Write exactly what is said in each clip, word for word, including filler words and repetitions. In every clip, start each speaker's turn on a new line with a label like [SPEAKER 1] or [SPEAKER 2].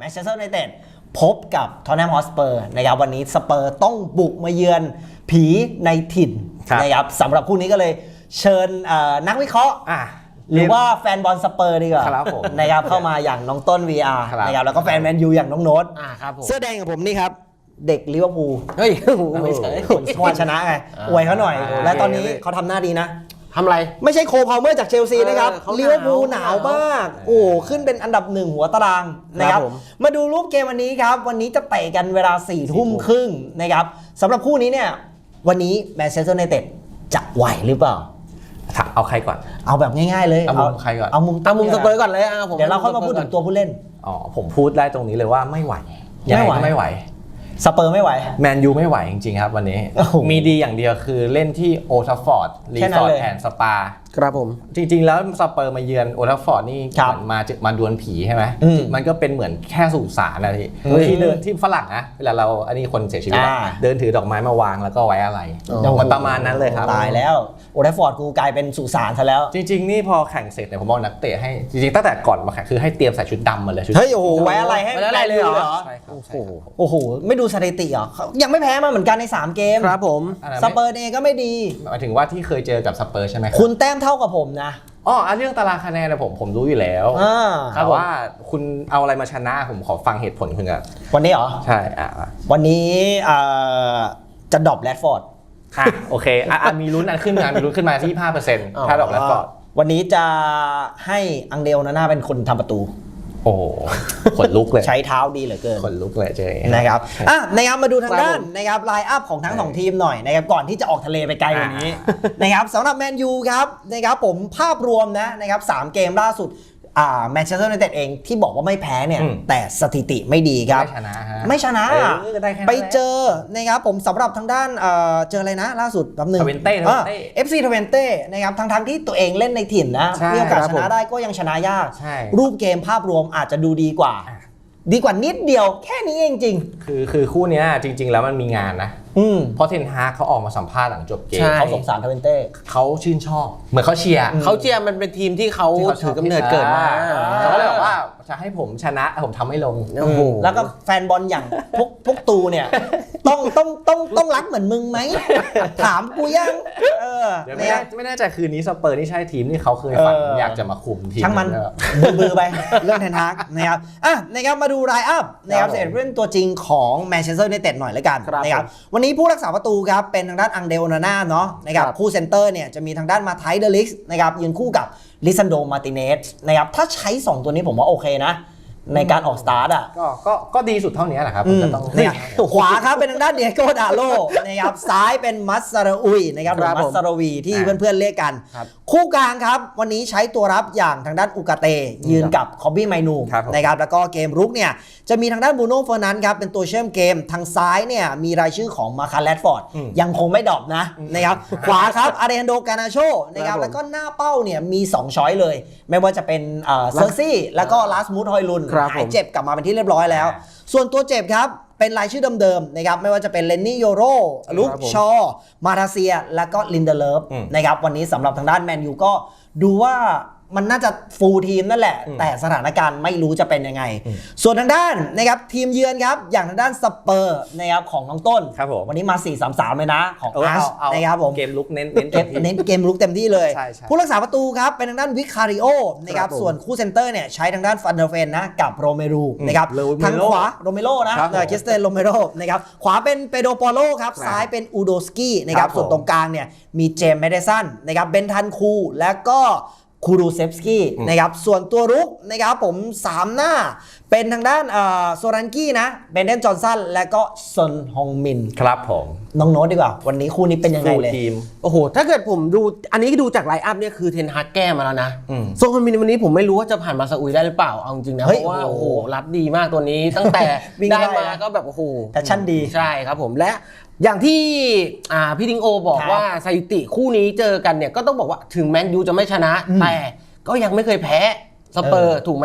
[SPEAKER 1] แมนเชสเตอร์ยูไนเต็ดพบกับท็อตแนมฮอตสเปอร์นะครับวันนี้สเปอร์ต้องบุกมาเยือนผีในถิ่นนะครับสำหรับคู่นี้ก็เลยเชิญนักวิเคราะห์หรือว่าแฟนบอลสเปอร์ดีกว่านะครับเข้ามาอย่างน้องต้น วี อาร์ นะครับแล้วก็แฟนแมนยูอย่างน้องโน้ตเสื้อแดงกับผมนี่ครับเด็กลิเวอร์พูลเฮ้ยไม่ใช่คนสวชนะไงอวยเขาหน่อยและตอนนี้เขาทำหน้าดีนะ
[SPEAKER 2] ทำอะไร
[SPEAKER 1] ไม่ใช่โคพาวเมอร์จากเชลซีนะครับลิเวอร์พูลหนาวมากโอ้ขึ้นเป็นอันดับหนึ่งหัวตารางนะครับมาดูรูปเกมวันนี้ครับวันนี้จะเตะกันเวลาสี่ทุ่มครึ่งนะครับสำหรับคู่นี้เนี่ยวันนี้แมนเชสเตอร์ยูไนเต็ดจะไหวหรือเปล่า
[SPEAKER 3] เอาใครก่อน
[SPEAKER 1] เอาแบบง่ายๆเลย
[SPEAKER 3] เอามุมใครก่อน
[SPEAKER 1] เอามุม
[SPEAKER 2] เอามุมสเปอร์ก่อนเลยอ่ะผม
[SPEAKER 1] เดี๋ยวเราค่อยมาพูดถึงตัวผู้เล่น
[SPEAKER 3] อ๋อผมพูดได้ตรงนี้เลยว่าไม่ไหวยังไงก็ไม่ไหว
[SPEAKER 1] สเปอร์ไม่ไหว
[SPEAKER 3] แมนยูไม่ไหวจริงๆครับวันนี้มีดีอย่างเดียวคือเล่นที่โอทัฟฟอร์ดรีสอร์ทแอนด์สปา
[SPEAKER 2] ครับผม
[SPEAKER 3] จริงๆแล้วสเปอร์มาเยือนโอทัฟฟอร์ดนี่มามาดวลผีใช่ไหมมันก็เป็นเหมือนแค่สุสานนะที่ที่เดินที่ฝรั่งนะเวลาเราอันนี้คนเสียชีวิตเดินถือดอกไม้มาวางแล้วก็ไว้อะไรมันประมาณนั้นเลยครับ
[SPEAKER 1] ตายแล้วโอทัฟฟอร์ดกูกลายเป็นสุสานซะแล้ว
[SPEAKER 3] จริงๆนี่พอแข่งเสร็จเนี่ยผมบอกนักเตะให้จริงๆตั้งแต่ก่อนมาแข่งคือให้เตรียมใส่ชุดดำมาเลย
[SPEAKER 1] เฮ้ยโอ้โหไว้อะไรให้
[SPEAKER 2] อะไรเลยเหรอ
[SPEAKER 3] ใช่ครับ
[SPEAKER 1] โอ้โหไม่ดูสถิติเหรอยังไม่แพ้มาเหมือนกันในสามเกม
[SPEAKER 2] ครับผม
[SPEAKER 1] สเปอร์เองก็ไม่ดี
[SPEAKER 3] หมายถึงว่าที่เคยเจอกับสเปอร์ใช่ไหม
[SPEAKER 1] คุณแต้มเท่ากับผมนะ
[SPEAKER 3] อ๋อเรื่องตารางคะแนนนะผมผมรู้อยู่แล้วแต่ว่าคุณเอาอะไรมาชนะผมขอฟังเหตุผลคุณก่อน
[SPEAKER 1] วันนี้เหรอ
[SPEAKER 3] ใช่อ่ะ
[SPEAKER 1] วันนี้จะดรอปแรดฟอร์ด
[SPEAKER 3] อ่ะโอเคอ่ะมีลุ้นอันขึ้นมามีลุ้นขึ้นมาที่ ยี่สิบห้าเปอร์เซ็นต์ ถ้าดรอปแรดฟอร์ด
[SPEAKER 1] วันนี้จะให้อังเดลนาน่าเป็นคนทำประตู
[SPEAKER 3] โอ้ขนลุกเลย
[SPEAKER 1] ใช้เท้าดีเหลือเกิน
[SPEAKER 3] ขนลุกเลยเจ๊
[SPEAKER 1] นะครับอ่ะนะครับมาดูทางด้านนะครับไลน์อัพของทั้งสองทีมหน่อยนะครับก่อนที่จะออกทะเลไปไกลกว่านี้นะครับสำหรับแมนยูครับนะครับผมภาพรวมนะนะครับสามเกมล่าสุดอ่าแมนเชสเตอร์ยูไนเต็ดเองที่บอกว่าไม่แพ้เนี่ยแต่สถิติไม่ดีครับ
[SPEAKER 3] ไม่ชนะ
[SPEAKER 1] ไม่ชนะไปเจอนะครับผมสำหรับทางด้านเจออะไรนะล่าสุดแป๊บนึง
[SPEAKER 3] ทเวนเต้
[SPEAKER 1] เอฟซีทเวนเต้นะครับทั้งทั้งที่ตัวเองเล่นในถิ่นนะมีโอกาสชนะได้ก็ยังชนะยากรูปเกมภาพรวมอาจจะดูดีกว่าดีกว่านิดเดียวแค่นี้เองจริง
[SPEAKER 3] คือคือคู่นี้จริงๆแล้วมันมีงานนะเพราะเทนฮากเขาออกมาสัมภาษณ์หลังจบเกม
[SPEAKER 1] เขาสงสารทเวนเต้
[SPEAKER 3] เขาชื่นชอบเหมือนเขาเชียร์
[SPEAKER 2] เขาเชียร์มันเป็นทีมที่เขาถือกำเนิดเกิดมา
[SPEAKER 3] เขาเลยบอกว่าจะให้ผมชนะผมทำให้ลง
[SPEAKER 1] แล้วก็แฟนบอลอย่างพวกพวกตูเนี่ยต้องต้องต้องต้องรักเหมือนมึงไหมถามกูยังเออ
[SPEAKER 3] ไม่ไม่แน่ใจคืนนี้สเปอร์นี่ใช่ทีมที่เขาเคยฝันอยากจะมาคุมทีม
[SPEAKER 1] ช่างมันบือไปเรื่องเทนฮากนะครับอ่ะนะครับมาดูไลน์อัพนะครับเสร็จเรื่องตัวจริงของแมนเชสเตอร์ยูไนเต็ดหน่อยแล้วกันนะครับวันนี้ผู้รักษาประตูครับเป็นทางด้านอังเดลนาน่าเนาะนะครับคู่เซนเตอร์เนี่ยจะมีทางด้านมาไทเดลิกส์นะครับยืนคู่กับลิซันโดมาติเนสนะครับถ้าใช้สองตัวนี้ผมว่าโอเคนะในการออกสตาร์ทอ่ะ
[SPEAKER 3] ก็ก็ก็ดีสุดเท่านี้แหละครับ
[SPEAKER 1] จะต้องขวาครับเป็นทางด้านเดียโกดาโลนะครับซ้ายเป็นมัสซาราอุยนะครับหรือมัสซาราวีที่เพื่อนๆเรียกกันคู่กลางครับวันนี้ใช้ตัวรับอย่างทางด้านอุกาเตยืนกับคอบบี้ไมนูนะครับแล้วก็เกมรุกเนี่ยจะมีทางด้านบูโน่เฟอร์นันด์ครับเป็นตัวเชื่อมเกมทางซ้ายเนี่ยมีรายชื่อของมาคาร์แรดฟอร์ดยังคงไม่ดรอปนะนะครับขวาครับอาเรนโดกานาโชนะครับแล้วก็หน้าเป้าเนี่ยมีสองช้อยเลยไม่ว่าจะเป็นเซอร์ซี่แล้วก็ลาสมูธฮอยลุนหายเจ็บกลับมาเป็นที่เรียบร้อยแล้วส่วนตัวเจ็บครับเป็นรายชื่อเดิมๆนะครับไม่ว่าจะเป็นเลนนี่โยโรลุคชอมาราเซียแล้วก็ลินเดเลฟนะครับวันนี้สำหรับทางด้านแมนยูก็ดูว่ามันน่าจะฟูลทีมนั่นแหละแต่สถานการณ์ไม่รู้จะเป็นยังไงส่วนทางด้านนะครับทีมเยือนครับอย่างทางด้านสเปอร์นะครับของน้องต้นวันนี้มา สี่สามสาม เลยนะของอาร์ชนะครับผม
[SPEAKER 3] เกมลุกเน้น
[SPEAKER 1] เน้นเกมลุกเต็มที่เลยผู้รักษาประตูครับเป็นทางด้านวิคาริโอนะครับส่วนคู่เซนเตอร์เนี่ยใช้ทางด้านฟันเดอร์เฟนนะกับโรเมรูนะครับทางขวาโรเมโรนะคริสเตนโรเมโรนะครับขวาเป็นเปโดโปโลครับซ้ายเป็นอูโดสกี้นะครับส่วนตรงกลางเนี่ยมีเจมส์เมเดสันนะครับเบนทันคูแล้วก็คูรูเซฟสกี้นะครับส่วนตัวรุกนะครับผมสามหน้าเป็นทางด้านโซรันกี้นะเบนเดนจอห์นสันและก็ซอนฮงมิน
[SPEAKER 3] ครับผม
[SPEAKER 1] น้องโน้ตดีกว่าวันนี้คู่นี้เป็นยังไงเลย
[SPEAKER 2] โอ้โหถ้าเกิดผมดูอันนี้ดูจากไลน์อัพเนี่ยคือเทนฮากแก้มาแล้วนะซอนฮงมินวันนี้ผมไม่รู้ว่าจะผ่านมาซาอุยได้หรือเปล่าเอาจริงนะเพราะว่าโอ้โหรับดีมากตัวนี้ตั้งแต่ได้มาก็แบบโอ้โห
[SPEAKER 1] แพชชั่นดี
[SPEAKER 2] ใช่ครับผมและอย่างที่พี่ทิงโอบอกว่าสถิติคู่นี้เจอกันเนี่ยก็ต้องบอกว่าถึงแมนยูจะไม่ชนะแต่ก็ยังไม่เคยแพ้สเปอร์ถูกไหม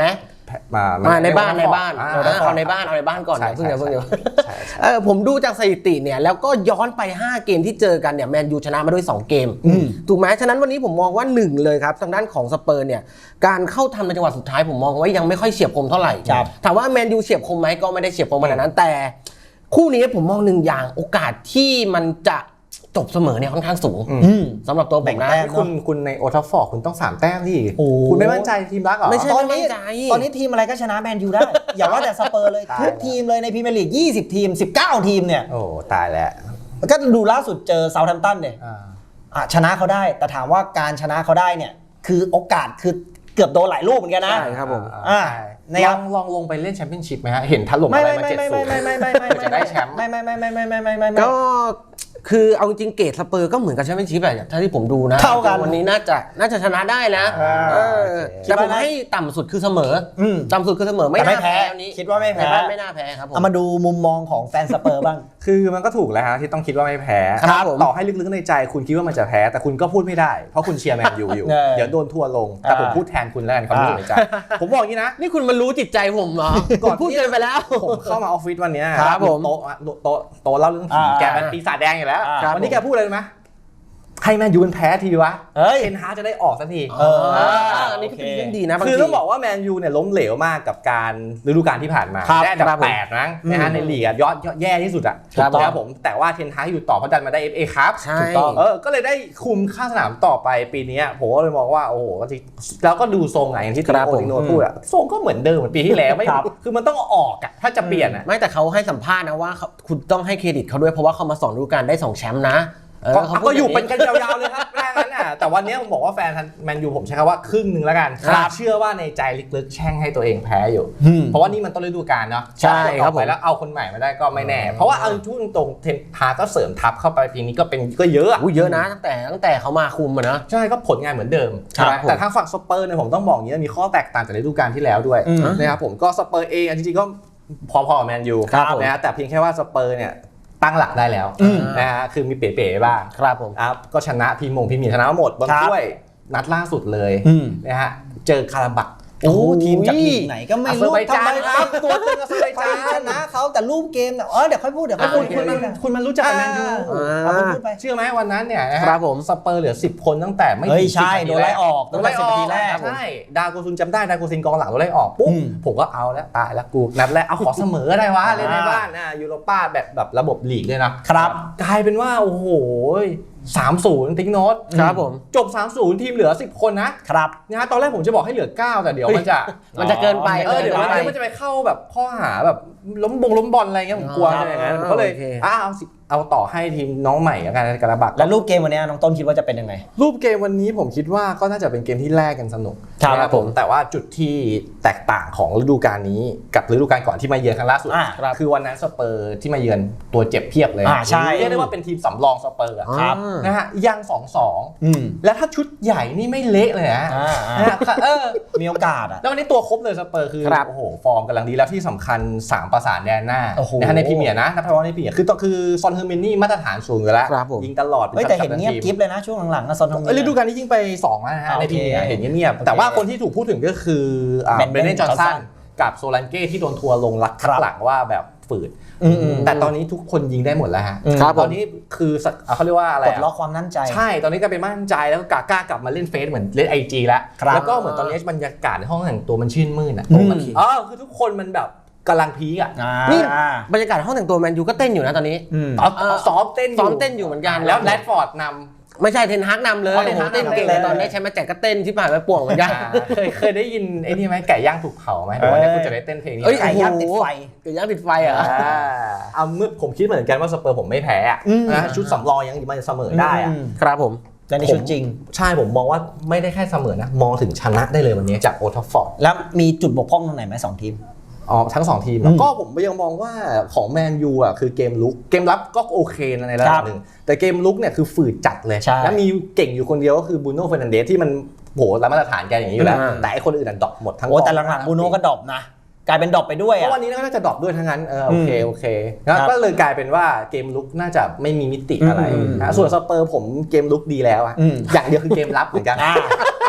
[SPEAKER 3] มา
[SPEAKER 2] มาในบ้านในบ้าน
[SPEAKER 3] อ่า
[SPEAKER 2] เอาในบ้านเอาในบ้านก่อน
[SPEAKER 3] ใช่
[SPEAKER 2] นะเพิ่งเดี๋ยวเพิ่งเดี๋ยว
[SPEAKER 3] ใช่ใช่
[SPEAKER 2] เออผมดูจากสถิติเนี่ยแล้วก็ย้อนไปห้าเกมที่เจอกันเนี่ยแมนยูชนะมาด้วยสองเกมถูกไหมฉะนั้นวันนี้ผมมองว่าหนึ่งเลยครับทางด้านของสเปอร์เนี่ยการเข้าทำในจังหวะสุดท้ายผมมองว่ายังไม่ค่อยเฉียบคมเท่าไหร่ถามว่าแมนยูเฉียบคมไหมก็ไม่ได้เฉียบคมขนาดนั้นแต่คู่นี้ผมมองหนึ่งอย่างโอกาสที่มันจะจบเสมอเนี่ยค่อนข้างสูงสำหรับตัวผมนะ
[SPEAKER 3] คุณคุณในโอทัฟฟอร์ดคุณต้องสามแต้มที่คุณไม่มั่นใจทีมรักเหรอ
[SPEAKER 2] ไม่ใช่
[SPEAKER 1] ตอนนี้ตอนนี้ทีมอะไรก็ชนะแมนยูได้ อย่าว่าแต่สเปอร์เลยทุกทีมเลยในพรีเมียร์ลีกยี่สิบทีมสิบเก้าทีมเนี่ย
[SPEAKER 3] โอ้ตายแล้ว
[SPEAKER 1] ก็ดูล่าสุดเจอเซาท์แฮมป์ตันเนี่ย
[SPEAKER 3] อ่า
[SPEAKER 1] อ่ะชนะเขาได้แต่ถามว่าการชนะเขาได้เนี่ยคือโอกาสคือเกือบโดนหลายลูกเหมือนกันนะ
[SPEAKER 2] ใช่ครับผม
[SPEAKER 1] อ่า
[SPEAKER 3] ลองลองลงไปเล่นแชมเปี้ยนชิพไหมฮะเห็นถล่ม
[SPEAKER 1] ไม่
[SPEAKER 3] อะไร
[SPEAKER 1] ไม่
[SPEAKER 3] มา
[SPEAKER 1] ไม่
[SPEAKER 3] เจ็ด
[SPEAKER 1] ไม่
[SPEAKER 3] ศู
[SPEAKER 1] ไม่
[SPEAKER 3] นย์
[SPEAKER 1] ไม่ไม่ไม่ไม่
[SPEAKER 3] จะได้แชมป์
[SPEAKER 1] ไม่ไม่ไม่ไม่ไม่ไม่ไม่ไม่
[SPEAKER 2] ก็คือเอาจริงเกรดสเปอร์ก็เหมือนกับแชมเปี้ยนชิพอะถ้าที่ผมดูนะ
[SPEAKER 1] เท่ากัน
[SPEAKER 2] วันนี้น่าจะน่าจะชนะได้นะ
[SPEAKER 3] อ่า
[SPEAKER 2] เออ
[SPEAKER 3] โอเค
[SPEAKER 2] แต่ผมให้ต่ำสุดคือเสมออ
[SPEAKER 1] ม
[SPEAKER 2] ต่ำสุดคือเสมอไม่
[SPEAKER 1] แต่ไม่
[SPEAKER 2] น่า
[SPEAKER 1] แพ้
[SPEAKER 2] แพ้วันนี้
[SPEAKER 1] คิดว่าไม่แพ้
[SPEAKER 2] ในบ้านไม่น่าแพ้ครับผม
[SPEAKER 1] เอามาดูมุมมองของแฟนสเปอร์บ้าง
[SPEAKER 3] คือมันก็ถูกแล้วฮะที่ต้องคิดว่าไม่แพ้
[SPEAKER 2] ครับผม
[SPEAKER 3] ต่อให้ลึกๆในใจคุณคิดว่ามันจะแพ้แต่คุณก็พูดไม่ได้เพราะคุณเชียร์แมนยูอยู่
[SPEAKER 1] เออ
[SPEAKER 3] เดี๋ยวโดนทัวร์ลงแต่ผม
[SPEAKER 1] อ่า
[SPEAKER 3] พูดแทนคุณแล้วกันความรู้สึกในใจผมบอกอย่างนี้นะ
[SPEAKER 2] นี่คุณมารู้จิตใจผมเหรอ ก่อนพูดเกินไปแล้ว
[SPEAKER 3] ผมเข้ามาออฟฟิศวันเนี้ย
[SPEAKER 2] ครับผม
[SPEAKER 3] โต๊ะโต๊ะโต๊ะเล่าเรื่องผี
[SPEAKER 1] อ่า
[SPEAKER 3] แกเป็นปีศาจแดงอยู่แล้ว
[SPEAKER 1] อ่า
[SPEAKER 3] วันนี้แกพูดอะไรรู้ไหมให้แมนยูมันแพ้ทีวะ
[SPEAKER 1] เฮ้ย
[SPEAKER 3] เทนฮากจะได้ออกสักที
[SPEAKER 1] เออ
[SPEAKER 2] อันนี้ก็เป็นเรื่องดีนะบาง
[SPEAKER 3] คือ
[SPEAKER 2] ที
[SPEAKER 3] ต้องบอกว่าแมนยูเนี่ยล้มเหลวมากกับการฤดูกาลที่ผ่านมา
[SPEAKER 2] ครับ
[SPEAKER 3] ได้อันดั
[SPEAKER 2] ครับ
[SPEAKER 3] บ
[SPEAKER 2] ผม
[SPEAKER 3] แปดมั้งนะฮะในลีกอะยอดยอดแย่ที่สุดอ่ะ
[SPEAKER 2] ครับ
[SPEAKER 3] ถูกต้องผมแต่ว่าเทนฮากอยู่ต่อเพราะดันมาได้ เอฟ เอ ครับ
[SPEAKER 2] ใช่
[SPEAKER 3] ถูกต้องเออก็เลยได้คุมข้างสนามต่อไปปีนี้ผมก็เลยมองว่าโอ้โหแล้วก็ดูทรงไงอย่างที่ติ
[SPEAKER 2] ครับ
[SPEAKER 3] โอ
[SPEAKER 2] ผม
[SPEAKER 3] ติโนพูดอะทรงก็เหมือนเดิมเหมือนปีที่แล้วไม่
[SPEAKER 1] ครับ
[SPEAKER 3] คือมันต้องออกอะถ้าจะเปลี่ยนอะ
[SPEAKER 2] ไม่แต่เขาให้สัมภาษณ์นะว่าเขาคุณต้องให้เครดิตเขาด้วยเพราะว่าเขามาสอนฤดูกาลได้สองแชมป์นะเออ
[SPEAKER 3] ก็
[SPEAKER 2] เขาพูด
[SPEAKER 3] ก็อยู่
[SPEAKER 2] าง
[SPEAKER 3] เป็นกันยาวๆเลยครับแม่งั้นน่ะแต่วันนี้ผมบอกว่าแฟนแมนยูผมใช้คำว่าครึ่งหนึ่งแล้วกัน
[SPEAKER 2] ครับ
[SPEAKER 3] เชื่อว่าในใจลึกๆแช่งให้ตัวเองแพ้อยู่
[SPEAKER 1] อืม
[SPEAKER 3] เพราะว่านี่มันต้นฤดูกาลเนาะ
[SPEAKER 2] ใช่ครับผม
[SPEAKER 3] ต่อไปแล้วเอาคนใหม่มาได้ก็ไม่แน่ เพราะว่าเอาทุ่งตรงเทนฮาก็เสริมทัพเข้าไปปีนี้ก็เป็นก็เยอะอะ
[SPEAKER 2] อุ้ยเยอะนะตั้งแต่ตั้งแต่เขามาคุมอะนะ
[SPEAKER 3] ใช่ก็ผลงานเหมือนเดิม
[SPEAKER 2] ครับ
[SPEAKER 3] ใช่ไหม
[SPEAKER 2] ผม
[SPEAKER 3] แต่ทางฝั่งสเปอร์เนี่ยผมต้องบอกอย่างนี้มีข้อแตกต่างจากฤดูกาลที่แล้วด้วย
[SPEAKER 1] อืม
[SPEAKER 3] นะครับผมก็สเปอร์เองจริงๆก็พอๆกับแมนยู
[SPEAKER 2] ครับผม
[SPEAKER 3] นะฮะแต่เพียงแค่ว่าสเปอร์เนี่ยตั้งหลักได้แล้ว
[SPEAKER 1] อืม
[SPEAKER 3] นะฮะคือมีเป๋ๆบ้าง
[SPEAKER 2] ครับผม
[SPEAKER 3] ครับก็ชนะพีมงพีมีชนะหมดบอล
[SPEAKER 1] ครับ
[SPEAKER 3] ถ้วยนัดล่าสุดเลย
[SPEAKER 1] อืม
[SPEAKER 3] นะฮะเจอคาราบัก
[SPEAKER 1] โอ้ทีมจากลีกไหนก็ไม่รู้
[SPEAKER 3] อาเซอร์ไบ
[SPEAKER 1] ทำ
[SPEAKER 3] จา
[SPEAKER 1] ไม
[SPEAKER 3] นครับตัวตึงอาเซอร์ไบ
[SPEAKER 1] ไป
[SPEAKER 3] จาน
[SPEAKER 1] ชนะเขาแต่รูปเกมเนี่ยเออเดี๋ยวค่อยพูดเดี๋ยวค่อย
[SPEAKER 3] คุ
[SPEAKER 1] พู
[SPEAKER 3] ณ
[SPEAKER 1] ด
[SPEAKER 3] คุณมัน
[SPEAKER 1] เดี๋ยว
[SPEAKER 3] คุณมันรู้จักกับแมนยู
[SPEAKER 1] เอาคุณพูดไป
[SPEAKER 3] เชื่อไหมวันนั้นเนี่ยนะฮะ
[SPEAKER 2] ครับผม
[SPEAKER 3] สเปอร์เหลือสิบคนตั้งแต่ไม่
[SPEAKER 1] เฮ้ย
[SPEAKER 3] ถึง
[SPEAKER 1] ใช่
[SPEAKER 3] สิบนาที
[SPEAKER 1] โดนไล่ออก
[SPEAKER 3] โดนไล่ออก
[SPEAKER 1] ตั้งแต่สิบนาทีแรก
[SPEAKER 3] ใช่ดาโกซุนจำได้ดาโกซุนกองหลังโดนไล่ออกปุ๊บ
[SPEAKER 1] อืม
[SPEAKER 3] ผมก็เอาแล้วตายแล้วกูนัดแรกเอาขอเสมอได้วะเล่นในบ้านนะยูโรป้าแบบแบบระบบลีกด้วยนะครับ กลายเป็นว่าโอ้โหสามศูนย์ติ๊กโน้ต
[SPEAKER 2] ครับผม
[SPEAKER 3] จบ สามศูนย์ ทีมเหลือ สิบ คนนะครับ นะฮะตอนแรกผมจะบอกให้เหลือ เก้า แต่เดี๋ยวมันจะ
[SPEAKER 2] มันจะเกินไป
[SPEAKER 3] เออเดี๋ยว
[SPEAKER 2] กินไป
[SPEAKER 3] มันจะไปเข้าแบบข้อหาแบบล้มบงล้มบอลอะไรเงี้ยผมกลัว
[SPEAKER 2] ครับ
[SPEAKER 3] อะไรอย่างนั้นผมก็เลย
[SPEAKER 2] โอเค
[SPEAKER 3] อ่ะเอาสิเอาต่อให้ทีมน้องใหม่แล้วกันกระบัก
[SPEAKER 1] แล้วรูปเกมวันนี้น้องต้นคิดว่าจะเป็นยังไง
[SPEAKER 3] รูปเกมวันนี้ผมคิดว่าก็น่าจะเป็นเกมที่แลกกันสนุก
[SPEAKER 1] ครับ
[SPEAKER 3] นะผมแต่ว่าจุดที่แตกต่างของฤดูกาลนี้กับฤดูกาลก่อนที่มาเยือนครั้งล่าสุด
[SPEAKER 1] อ่า
[SPEAKER 3] คือวันนั้นสเปอร์ที่มาเยือนตัวเจ็บเพียบเลย
[SPEAKER 1] อ่าใช่
[SPEAKER 3] เรียกได้ว่าเป็นทีมสำรองสเปอร์อะ
[SPEAKER 1] ครับ
[SPEAKER 3] นะฮะยังสองสอง
[SPEAKER 1] อืม
[SPEAKER 3] แล้วถ้าชุดใหญ่นี่ไม่เละเลยนะ
[SPEAKER 1] อ่าอ่า
[SPEAKER 3] นะฮะเออ
[SPEAKER 1] มีโอกาสอ่ะ
[SPEAKER 3] แล้ววันนี้ตัวครบเลยสเปอร์คือ
[SPEAKER 2] ครับ
[SPEAKER 3] โอ้โหฟอร์มกำลังดีแล้วที่สำคัญสามประสานแดนหน้า
[SPEAKER 1] โอ้โห
[SPEAKER 3] นะฮะในพรีเมียร์นะนับเฉพาะในพรีเมียร์คือต้องคือซอนเฮอร์มินนี่มาตรฐานสูงอยู่แล้ว
[SPEAKER 2] ครับผม
[SPEAKER 3] ยิงตลอด
[SPEAKER 1] เฮ้ยแต่เห็น
[SPEAKER 3] กัปตั
[SPEAKER 1] เงียบ
[SPEAKER 3] ทีม
[SPEAKER 1] กิ๊บเลยนะช่วงหลังๆนะซอนทอง
[SPEAKER 3] เอ้ยฤดูกาลนี้ยิงไปสองแล้วนะฮะ
[SPEAKER 1] อ่า
[SPEAKER 3] ในพรีเมียร์
[SPEAKER 1] โอเค
[SPEAKER 3] เห็นเงียบ
[SPEAKER 1] โอเค
[SPEAKER 3] ๆแต่ว่าคนที่ถูกพูดถึงก็คืออ่า
[SPEAKER 1] Brendan
[SPEAKER 3] เบรเนนจอห์นสัน
[SPEAKER 1] Johnson
[SPEAKER 3] กับโซลันเก้ที่โดนทัวร์ลงรัก
[SPEAKER 1] ครับ
[SPEAKER 3] หลังว่าแบบฝืด
[SPEAKER 1] อืมอืม
[SPEAKER 3] แต่ตอนนี้ทุกคนยิงได้หมดแล้วฮะ
[SPEAKER 1] อืม
[SPEAKER 2] ครับผม
[SPEAKER 3] ตอนนี้คือสักอ่ะเขาเรียกว่าอะไร
[SPEAKER 1] ปลด
[SPEAKER 3] อะ
[SPEAKER 1] ล็อกความมั่นใจ
[SPEAKER 3] ใช่ตอนนี้ก็เป็นมั่นใจแล้วก็กล้ากล้ากลับมาเล่นเฟซเหมือนเล่นไอจีแล้ว
[SPEAKER 1] ครับ
[SPEAKER 3] แล้วก็เหมือนตอนนี้บรรยากาศในห้องแต่งตัวมันชื่นมื่นอ่ะ
[SPEAKER 1] อืม
[SPEAKER 3] เออคือทุกคนมันแบบกำลังพีคอ่ะ
[SPEAKER 1] อ่า
[SPEAKER 2] นี่
[SPEAKER 1] นี่
[SPEAKER 2] บรรยากาศห้องแต่งตัวแมนยูก็เต้นอยู่นะตอนนี้
[SPEAKER 1] อืม
[SPEAKER 3] เอา
[SPEAKER 2] เออ
[SPEAKER 3] ซ้อมเต้นอยู่
[SPEAKER 2] ซ้อมเต้นอยู่เหมือนกัน
[SPEAKER 3] แล้วแรดฟอร์ดนำ
[SPEAKER 2] ไม่ใช่เทนฮากนำเลย
[SPEAKER 3] อ๋อเทนฮาก
[SPEAKER 2] เต้นเก่ง
[SPEAKER 1] นำเลย
[SPEAKER 2] ตอนได้ใช้มาแจกก็เต้นที่ผ่านไปป่วงเหมือนกัน
[SPEAKER 3] อ่าเคยเคยได้ยินไอ้นี่ไหมไก่ย่างถูกเผาไหมเดี๋ยววันนี้คุณจะได้เต้นเพลงนี้
[SPEAKER 2] เอ้ย
[SPEAKER 1] ไก่ย่างติดไฟ
[SPEAKER 2] ไก่ย่างติดไฟอ่ะ
[SPEAKER 3] อ่าเอาเมื่อผมคิดเหมือนกันว่าสเปอร์ผมไม่แพ้อะ
[SPEAKER 1] อืม
[SPEAKER 3] นะชุดสำรองยังมันจะเสมอได้อะ
[SPEAKER 1] ม
[SPEAKER 2] ครับผม
[SPEAKER 1] แต่ในชุดจริง
[SPEAKER 3] ใช่ผมมองว่าไม่ได้แค่เสมอนะมองถึงชนะได้เลยวันนี้จากโอทัฟฟอร์ด
[SPEAKER 1] แล้วมีจุดบกพร่องตรงไหนไหมสองทีม
[SPEAKER 3] อ๋อทั้งสองทีม
[SPEAKER 1] อืม
[SPEAKER 3] ก็ผมยังมองว่าของแมนยูอ่ะคือเกมลุกเกมรับก็โอเคนะในระ
[SPEAKER 1] ค
[SPEAKER 3] ดั
[SPEAKER 1] รั
[SPEAKER 3] บบ หนึ่งแต่เกมลุกเนี่ยคือฝืดจัดเลย
[SPEAKER 1] ใช่
[SPEAKER 3] แล้วมีเก่งอยู่คนเดียวก็คือบูโน่เฟรนันเดสที่มันโหรับมาตรฐานแกอย่างนี้อยู่แล้ว
[SPEAKER 2] อืม
[SPEAKER 3] แต่ไอ้คนอื่นอ่ะดรอปหมดทั้ง
[SPEAKER 1] โอ้
[SPEAKER 3] กอง
[SPEAKER 1] แต่หลังๆบูโน่ก็ดรอปนะ กลายเป็นดรอปไปด้วย
[SPEAKER 3] เพ
[SPEAKER 1] อ่ะ
[SPEAKER 3] ราะวันนี้น่าจะดรอปด้วยทั้งนั้นเออโอเค
[SPEAKER 1] อืม
[SPEAKER 3] โอเคแล้ว
[SPEAKER 1] ครับ
[SPEAKER 3] ก็เลยกลายเป็นว่าเกมลุกน่าจะไม่มีมิติอะไร
[SPEAKER 1] อืม
[SPEAKER 3] นะส่วนสเปอร์ผมเกมลุกดีแล้วอะ
[SPEAKER 1] อืม
[SPEAKER 3] อย่างเดียวคือเกมรับเหมือนกัน
[SPEAKER 1] อ่า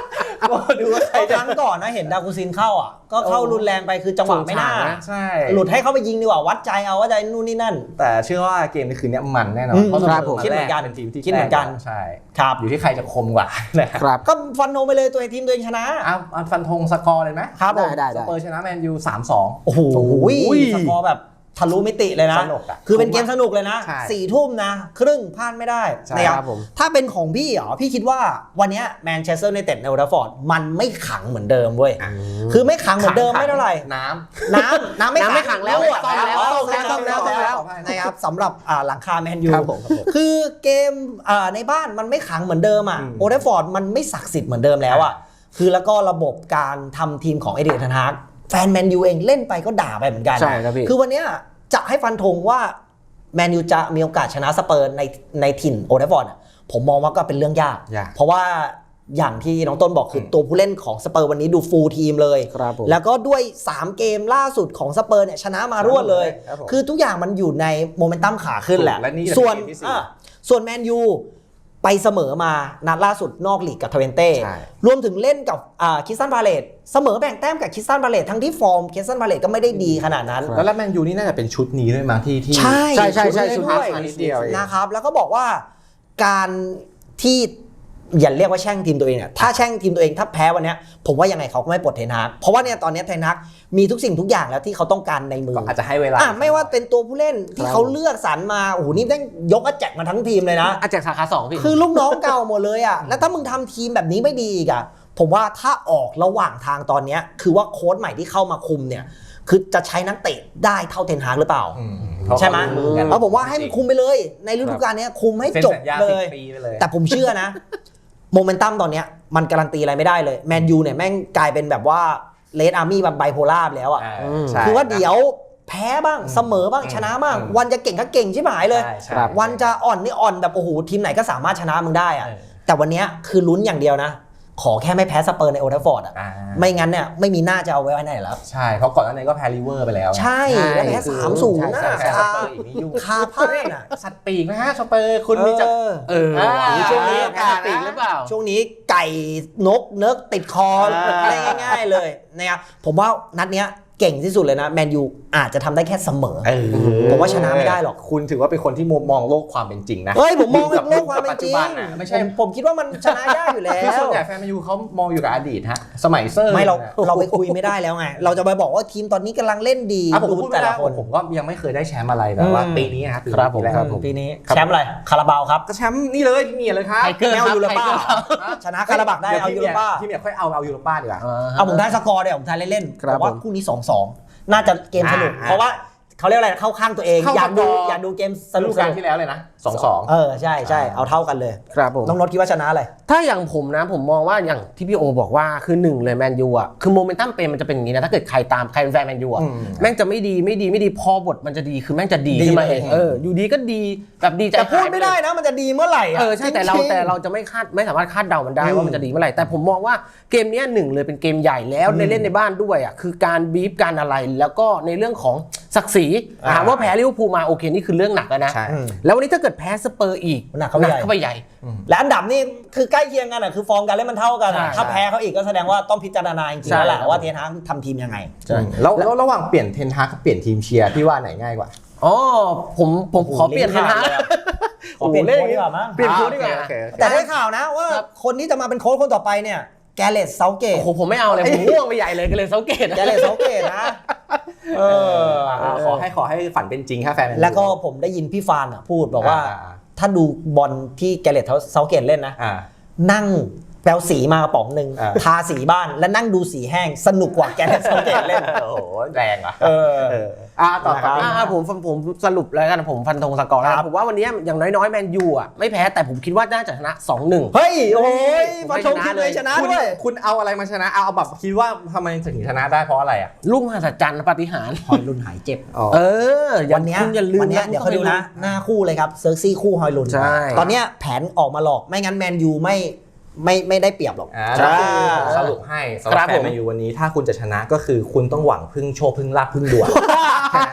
[SPEAKER 3] ดูว่าใคร
[SPEAKER 1] ครั้งก่อนนะเห็นดากูซินเข้าอ่ะก็เข้ารุนแรงไปคือจังหวะไม่น่า
[SPEAKER 3] ใช่
[SPEAKER 1] หลุดให้เขาไปยิงดีกว่าวัดใจเอาว่าใจนู่นนี่นั่น
[SPEAKER 3] แต่เชื่อว่าเกมในคืนนี้มันแน่นอ
[SPEAKER 1] อื
[SPEAKER 3] น
[SPEAKER 1] ม
[SPEAKER 3] เพราะ
[SPEAKER 1] ครับผม
[SPEAKER 3] ส
[SPEAKER 1] คิดเหมือนกัน
[SPEAKER 3] เป็นทีมที่
[SPEAKER 1] คิดเหมือนกัน
[SPEAKER 3] ใช่
[SPEAKER 1] ครับ
[SPEAKER 3] อยู่ที่ใครจะคมกว่านะครับ
[SPEAKER 2] ครับ
[SPEAKER 1] ก็ฟันโนไปเลยตัวเองทีมตัวเองชนะ
[SPEAKER 3] เอาเอาฟันธงสกอร์เลยไหม
[SPEAKER 1] ครับผม
[SPEAKER 2] ได้
[SPEAKER 3] สเปอร์ชนะแมนยูสามสอง
[SPEAKER 1] โอ้โห
[SPEAKER 3] โอ้โห
[SPEAKER 1] สกอร์แบบทะลุมิติเลยนะ
[SPEAKER 3] สนุกอะ
[SPEAKER 1] คือเป็นเกมสนุกเลยนะ
[SPEAKER 3] ใช่
[SPEAKER 1] สี่ทุ่มนะ ครึ่งพลาดไม่ได้
[SPEAKER 3] ใช่
[SPEAKER 1] นะครับ
[SPEAKER 2] ครับผม
[SPEAKER 1] ถ้าเป็นของพี่เหรอพี่คิดว่าวันเนี้แมนเชสเตอร์ยูไนเต็ดในโอลด์แทราฟฟอร์ดมันไม่ขังเหมือนเดิมเว้ยคือไม่ขังเหมือนเดิมไม่เท่าไหร่
[SPEAKER 3] น้
[SPEAKER 1] น้ำน้ำไม่
[SPEAKER 2] น้ำไม่ขังแล้ว
[SPEAKER 1] รั่
[SPEAKER 2] ซ่อมแล้ว
[SPEAKER 1] อ๋อ
[SPEAKER 2] ซ่อมแล้วซ่อมแล้ว
[SPEAKER 1] นะครับสำหรับอ่าหลังคาแมนยู
[SPEAKER 3] ครับผมครับผม
[SPEAKER 1] คือเกมอ่าในบ้านมันไม่ขังเหมือนเดิมอ่ะ
[SPEAKER 3] อืม
[SPEAKER 1] โอลด์แทราฟฟอร์ดมันไม่ศักดิ์สิทธิ์เหมือนเดิมแล้วอ่ะคือแล้วก็ระบบการทำทีมของเอเดียร์ เทนฮากแฟนแมนยูเองเล่นไปก็ด่าไปเหมือนกัน
[SPEAKER 2] ใช่ครับพี่
[SPEAKER 1] คือวันเนี้ยจะให้ฟันธงว่าแมนยูจะมีโอกาสชนะสเปอร์ในในถิ่นโอลด์แทราฟฟอร์ดอะผมมองว่าก็เป็นเรื่องยาก
[SPEAKER 3] ยาก
[SPEAKER 1] เพราะว่าอย่างที่น้องต้นบอกคือตัวผู้เล่นของสเปอร์วันนี้ดูฟูลทีมเลย
[SPEAKER 2] ครับผม
[SPEAKER 1] แล้วก็ด้วย สาม เกมล่าสุดของสเปอร์เนี่ยชนะมารวดเลย
[SPEAKER 3] ครับผม
[SPEAKER 1] คือทุกอย่างมันอยู่ในโมเมนตัมขาขึ้นแหละ
[SPEAKER 3] และนี่จะเป็น
[SPEAKER 1] ส่วน
[SPEAKER 3] เกมที่สี่
[SPEAKER 1] อ่ะส่วนแมนยูไปเสมอมานัดล่าสุดนอกลีกกับทเวนเต้
[SPEAKER 3] ใช่
[SPEAKER 1] รวมถึงเล่นกับอ่าคิสตันพาเลตเสมอแบ่งแต้มกับคิสตันพาเลตทั้งที่ฟอร์มคิสตันพาเลตก็ไม่ได้ดีขนาดนั้น
[SPEAKER 3] แล้วแมนยูนี่น่าจะเป็นชุดนี้ด้วยมั้งที่ที่
[SPEAKER 1] ใช่
[SPEAKER 2] ใช่ใช่ใช่
[SPEAKER 1] ชุ
[SPEAKER 2] ชุ
[SPEAKER 1] ด
[SPEAKER 2] ด
[SPEAKER 1] นี้
[SPEAKER 2] นี้
[SPEAKER 1] ด้วย
[SPEAKER 3] นิดเดียวเอง
[SPEAKER 1] นะครับแล้วก็บอกว่าการที่อย่าเรียกว่าแช่งทีมตัวเองเนี่ยถ้าแช่งทีมตัวเองถ้าแพ้วันเนี้ยผมว่ายังไงเขาก็ไม่ปลดเทนฮากเพราะว่าเนี่ยตอนเนี้ยเทนฮากมีทุกสิ่งทุกอย่างแล้วที่เขาต้องการในมือ
[SPEAKER 3] ก็อาจจะให้เวลา
[SPEAKER 1] อ่ะไม่ว่าเป็นตัวผู้เล่นที่
[SPEAKER 2] ครับ
[SPEAKER 1] เขาเลือกสรรมาโอ้โหนี่ต้องยกอาแจกมาทั้งทีมเลยนะ
[SPEAKER 2] อาแจกสาขาสองพี่
[SPEAKER 1] คือลูกน้องเก่าหมดเลยอ่ะ แล้วถ้ามึงทำทีมแบบนี้ไม่ดีอีกอ่ะ ผมว่าถ้าออกระหว่างทางตอนเนี้ยคือว่าโค้ชใหม่ที่เข้ามาคุมเนี่ย คือจะใช้นักเตะได้เท่าเทนฮากหรือเปล่า
[SPEAKER 3] อืม
[SPEAKER 1] ใช่ไหม
[SPEAKER 3] เพราะเขารู้กัน
[SPEAKER 1] แล้วผมว่าให้มันคุมไปเลย ในฤดูกาลเนี้ยคุมให้
[SPEAKER 3] เซ็น
[SPEAKER 1] จบ
[SPEAKER 3] สัญญา
[SPEAKER 1] เล
[SPEAKER 3] สิบ
[SPEAKER 1] ย
[SPEAKER 3] ปีไปเลย
[SPEAKER 1] แต่ผมเชื่อนะ โมเมนตัมตอนเนี้ยมันการันตีอะไรไม่ได้เลยแมนยูเนี่ยแม่งกลายเป็นแบบว่าเลดอาร์มี่แบบไบโพล่าไปแล้วอ่ะ
[SPEAKER 3] อ่า
[SPEAKER 2] อืม
[SPEAKER 3] ใช่
[SPEAKER 1] คือว่าเดี๋ยวแพ้บ้างเสมอบ้าง
[SPEAKER 3] อืม
[SPEAKER 1] ชนะบ้าง
[SPEAKER 3] อืม
[SPEAKER 1] วันจะเก่งก็เก่งชิบหายเลย
[SPEAKER 3] ใช่ใช่
[SPEAKER 2] ครับ
[SPEAKER 1] วันจะอ่อนนี่อ่อนแบบโอ้โหทีมไหนก็สามารถชนะมึงได้อะ
[SPEAKER 3] เออ
[SPEAKER 1] แต่วันเนี้ยคือลุ้นอย่างเดียวนะ ขอแค่ไม่แพ้สเปอร์ในโอลด์แทราฟฟอร์ดอ่ะ
[SPEAKER 3] อ่า
[SPEAKER 1] ไม่งั้นเนี่ยไม่มีหน้าจะเอาไว้ไว้ไหนแล้ว
[SPEAKER 3] ใช่เพราะก่อนหน้านี้ก็แพ้ลิเวอร์ไปแล้ว
[SPEAKER 1] ใช่
[SPEAKER 2] ใช่
[SPEAKER 1] แล้วแพ้
[SPEAKER 2] คือ
[SPEAKER 1] สามศูนย์
[SPEAKER 2] ใช่
[SPEAKER 1] นะ
[SPEAKER 2] ใช่
[SPEAKER 3] แพ้ส
[SPEAKER 1] คา
[SPEAKER 3] เปอร์อีกนี่ยุ่ง
[SPEAKER 1] คาพลาดอ่ะ
[SPEAKER 3] สัตว์ปีกนะฮะสเปอร์คุณมีจะ
[SPEAKER 1] เออ
[SPEAKER 2] เออ
[SPEAKER 3] อ่า
[SPEAKER 2] ช่วงนี้
[SPEAKER 1] อากาศ
[SPEAKER 2] ปีกหรือเปล่า
[SPEAKER 1] ช่วงนี้ไก่นกเนิร์กติดคอ
[SPEAKER 3] อ่า
[SPEAKER 1] อะไรง่ายๆเลยนะครับผมว่านัดเนี้ยเก่งที่สุดเลยนะแมนยูอาจจะทำได้แค่เสมอ
[SPEAKER 3] เออ
[SPEAKER 1] ผมว่าชนะไม่ได้หรอก
[SPEAKER 3] คุณถือว่าเป็นคนที่มุมมองโลกความเป็นจริงนะ
[SPEAKER 1] เฮ้ยผมมอง
[SPEAKER 3] กับ
[SPEAKER 1] โลกความเป็นจริง
[SPEAKER 3] ปัจจุบันน่ะไม่ใช่
[SPEAKER 1] ผมผมคิดว่ามันชนะยากอยู่แล้
[SPEAKER 3] คือส่วน
[SPEAKER 1] ว
[SPEAKER 3] ใหญ่แฟนแมนยูเขามองอยู่กับอดีตฮะสมัยเซอร์
[SPEAKER 1] ไม่เรา
[SPEAKER 3] นี่ย
[SPEAKER 1] เราไปคุยไม่ได้แล้วไง เราจะไปบอกว่าทีมตอนนี้กำลังเล่นดี
[SPEAKER 3] อ่ะผม
[SPEAKER 1] ดู
[SPEAKER 3] พูด
[SPEAKER 1] แต่
[SPEAKER 3] แต่
[SPEAKER 1] ละ
[SPEAKER 3] ละ
[SPEAKER 1] ค
[SPEAKER 3] คน นผมก็ยังไม่เคยได้แชมป์อะไรแบบว่า
[SPEAKER 1] อืม
[SPEAKER 3] ปีนี้นะครับ
[SPEAKER 2] ครับผม
[SPEAKER 3] ปีแรก
[SPEAKER 2] ครับผม
[SPEAKER 1] ปีนี้แชมป์อะไรคาราบาวครับ
[SPEAKER 3] ก็แชมป์นี่เลยพี่เมียเลยครับ
[SPEAKER 2] ไทเกอร์
[SPEAKER 1] ไม่เอา
[SPEAKER 2] ครับ
[SPEAKER 1] ยูโรป้า
[SPEAKER 2] ไทเกอร์ครับ
[SPEAKER 1] ชนะคาราบักได้เอายูโรป้า
[SPEAKER 3] พี่เมียค่อยเอาเอายูโรป้าดีกว่า
[SPEAKER 1] เอาผมได้สกอร์เดี๋ยวผมทายเล่นๆ
[SPEAKER 2] ครับ
[SPEAKER 1] ผมว่า
[SPEAKER 2] ผม
[SPEAKER 1] คู่นี้ สองสอง น่าจะเกมสนุก
[SPEAKER 3] อ่า
[SPEAKER 1] เพราะว่าเขาเรียกอะไรเข้าข้างตัวเอง
[SPEAKER 3] เข้า
[SPEAKER 1] อยากดู
[SPEAKER 3] สกอร์
[SPEAKER 1] อยากดูเกมส
[SPEAKER 3] ฤ
[SPEAKER 1] นุ
[SPEAKER 3] ดู
[SPEAKER 1] ก
[SPEAKER 3] กาลที่แล้วเลยนะสองสอง
[SPEAKER 1] เออใช่ใช่เอาเท่ากันเลย
[SPEAKER 2] ครับผม
[SPEAKER 1] น้องนดคิดว่าชนะอะไร
[SPEAKER 2] ถ้าอย่างผมนะผมมองว่าอย่างที่พี่โอบอกว่าคือหนึ่งเลยแมนยูอ่ะคือโมเมนตัมเป็นมันจะเป็นอย่างนี้นะถ้าเกิดใครตามใครเป็นแฟนแมนยูอ่ะ
[SPEAKER 3] อืม
[SPEAKER 2] แม่งจะไม่ดีไม่ดีไม่ดีพอบทมันจะดีคือแม่งจะดี
[SPEAKER 1] ดี
[SPEAKER 2] ขึ้นมา
[SPEAKER 1] เลย
[SPEAKER 2] เองเอออยู่ดีก็ดีแบบดีใจ
[SPEAKER 1] แต่พูด
[SPEAKER 2] หายป
[SPEAKER 1] ไม่
[SPEAKER 2] เลย
[SPEAKER 1] ได้นะมันจะดีเมื่อไหร่ะ
[SPEAKER 2] เออใช่แต่เรา
[SPEAKER 1] จงๆ
[SPEAKER 2] แต่เราจะไม่คาดไม่สามารถคาดเดามันได้
[SPEAKER 1] อืม
[SPEAKER 2] ว่ามันจะดีเมื่อไหร่แต่ผมมองว่าเกมเนี้ยหนึ่งเลยเป็นเกมใหญ่แล้ว
[SPEAKER 1] อืม
[SPEAKER 2] ในเล่นในบ้านด้วยอ่ะคือการบีฟการอะไรแล้วก็ในเรื่องของศักดิ์ศรี
[SPEAKER 1] อ่า
[SPEAKER 2] ถามว่าแพ้ลิเวอร์พูลมาโอเคนี่คือเรื่องหนักแล้วนะ
[SPEAKER 3] ใช่
[SPEAKER 1] อืม
[SPEAKER 2] แล้ววันนี้ถ้าเกิดแพ้สเปอร์อีก
[SPEAKER 1] หนักเข้าไปใหญ่
[SPEAKER 2] เข้าไปใหญ่
[SPEAKER 1] และอันดับนี่คือใกล้เคียงกันอ่ะคือฟอร์มการเล่นมันเท่ากันอะ
[SPEAKER 2] ใช่
[SPEAKER 1] ถ้าแพ้เขาอีกก็แสดงว่าต้องพิจารณาจริงๆ
[SPEAKER 2] ใช่
[SPEAKER 1] แล้วแหละ
[SPEAKER 2] ครับ
[SPEAKER 1] ว่าเทนฮากทำทีมยังไง
[SPEAKER 3] แล้วแล้วระหว่างเปลี่ยนเทนฮากกับเปลี่ยนทีมเชียร์พี่ว่าไหนง่ายกว่า
[SPEAKER 2] อ๋อผมผม
[SPEAKER 1] โอ้โห
[SPEAKER 2] ขอเปลี่ยน
[SPEAKER 1] ลิ้น
[SPEAKER 2] นะ
[SPEAKER 1] ขาดเลยอะ ขอเปลี่ยนโค้ชดีกว่ามั้ง
[SPEAKER 2] เปลี่ยนโค้ชดีกว่า
[SPEAKER 3] โอเคโอเค
[SPEAKER 1] แต่ได้ข่าวนะว่า
[SPEAKER 2] ครับ
[SPEAKER 1] คนที่จะมาเป็นโค้ชคนต่อไปเนี่ยแกเรตเซาเกต
[SPEAKER 2] โอ้โหผมไม่เอาเลยผมง่วงไปใหญ่เลยก็เลยเซาเกต
[SPEAKER 1] แกเรตเซาเกตนะเออ
[SPEAKER 3] อ่าขอให้ขอให้ฝันเป็นจริงครับแฟนแมนยู
[SPEAKER 1] แล้วก็ผมได้ยินพี่ฟานอะพูดบอกว่า
[SPEAKER 3] อ่าอ่า
[SPEAKER 1] ถ้าดูบอลที่แกเรตเซาเกตเล่นนะ
[SPEAKER 3] อ่า
[SPEAKER 1] นั่งแปลสีมากระป๋องหนึ่ง
[SPEAKER 3] อ่า
[SPEAKER 1] ทาสีบ้านแล้วนั่งดูสีแห้งสนุกกว่าแกเรตเซาเกตเล่น
[SPEAKER 3] โอ้โหแรงอ่ะ
[SPEAKER 1] เออ
[SPEAKER 3] เอออ่าต่อ
[SPEAKER 1] นะครับ
[SPEAKER 3] ต่อ
[SPEAKER 2] อ่าผมผมผมสรุปแล้วกันผมฟันธงสกอร์
[SPEAKER 1] ครั
[SPEAKER 2] นะ
[SPEAKER 1] บ
[SPEAKER 2] ผมว่าวันนี้อย่างน้อยๆแมนยูอ่ะไม่แพ้แต่ผมคิดว่าน่าจะชนะ สองหนึ่ง
[SPEAKER 1] เฮ้ยโอ้ย
[SPEAKER 2] ผม
[SPEAKER 1] ฟัน
[SPEAKER 2] ให้
[SPEAKER 1] ธง
[SPEAKER 2] ชนะ
[SPEAKER 1] คิดเลย
[SPEAKER 2] เลย
[SPEAKER 1] ชนะ
[SPEAKER 3] คุณ
[SPEAKER 1] ด้วย
[SPEAKER 3] คุณเอาอะไรมาชนะ เอาเอาแบบคิดว่าทำไมถึงชนะได้เพราะอะไรอ่ะ
[SPEAKER 2] ลูกมหัศจรรย์ปาฏิหาริย์
[SPEAKER 1] ฮอยลุนหายเจ็บ
[SPEAKER 2] เอออย่า
[SPEAKER 1] วันเนี้ย
[SPEAKER 2] คุณอย่าลืม
[SPEAKER 1] วันเนี้ย
[SPEAKER 2] ะ
[SPEAKER 1] เดี๋ยวเขาดูนะ หน้าคู่เลยครับเซอร์ซี่คู่ฮอยลุน
[SPEAKER 2] ใช่
[SPEAKER 1] ตอนเนี้ยแผนออกมาหลอกไม่งั้นแมนยูไม่ไม่ไม่ได้เปรียบหรอก
[SPEAKER 3] อ่า
[SPEAKER 1] ใช่
[SPEAKER 3] สรุปให้สำห
[SPEAKER 2] ครั
[SPEAKER 3] รับบ แฟ
[SPEAKER 2] ผ
[SPEAKER 3] น
[SPEAKER 2] ม
[SPEAKER 3] แมนยูวันนี้ถ้าคุณจะชนะก็คือคุณต้องหวังพึ่งโชคพึ่งลาภพึ่งดวงแค่นั้น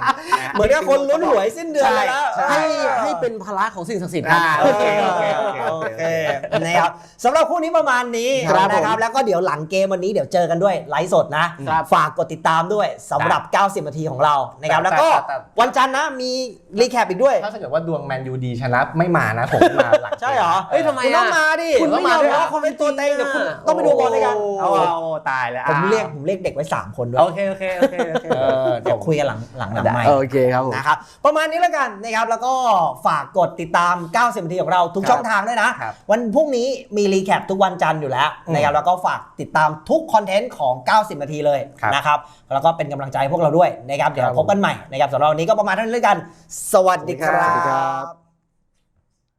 [SPEAKER 1] เหมือนกับคนลุ้นหวยสิ้นเดือนเลยแล้ว
[SPEAKER 2] ให้ให้เป็นภาระของสิ่งศักดิ์สิทธิ์
[SPEAKER 1] อ่าโอเคโอเคโอเคโอเคนะครับสำหรับคู่นี้ประมาณนี้
[SPEAKER 2] ครับ
[SPEAKER 1] นะครับแล้วก็เดี๋ยวหลังเกมวันนี้เดี๋ยวเจอกันด้วยไลฟ์สดนะ ฝากกดติดตามด้วยสำหรับ เก้าสิบ นาทีของเรานะครับแล้วก็วันจันทร์นะมีรีแคปอีกด้วย
[SPEAKER 3] ถ้าเกิดว่าดวงแมนยูดีชนะไม่มานะผมมาหลัง
[SPEAKER 1] ใช่เหรอ
[SPEAKER 2] เอ้ยทำไม
[SPEAKER 1] คุณต้องมาดิ
[SPEAKER 2] คุณไม่ยอมรับ
[SPEAKER 1] คุณเป็นตัวเต็งเดี๋ยวคุณต้องไปดูบอลด้วยกัน
[SPEAKER 3] โอ้ตายแล้ว
[SPEAKER 1] ผมเรียกผมเรียกเด็กไว้สามคนด้วย
[SPEAKER 3] โอเคโอเคโอเคโอเค
[SPEAKER 1] เดี๋ยวคุยกันหลังหลังหลังไมค์
[SPEAKER 2] โอเคครับผม
[SPEAKER 1] นะครับประมาณนี้แล้วกันนะครับแล้วก็ฝากกดติดตาม เก้าสิบ นาทีของเราทุกช่องทางด้วยนะ
[SPEAKER 3] ครับ
[SPEAKER 1] วันพรุ่งนี้มีรีแคปทุกวันจันทร์อยู่แล้วนะครับแล้วก็ฝากติดตามทุกคอนเทนต์ของ เก้าสิบ นาทีเลย
[SPEAKER 3] ครับ
[SPEAKER 1] นะครับแล้วก็เป็นกำลังใจให้พวกเราด้วยนะครับเดี๋ยวพบกันใหม่นะครับสำหรับวันนี้ก็ประมาณเท่านี้แล้วกัน สวัสดีครั
[SPEAKER 2] สวัสดีครับ บ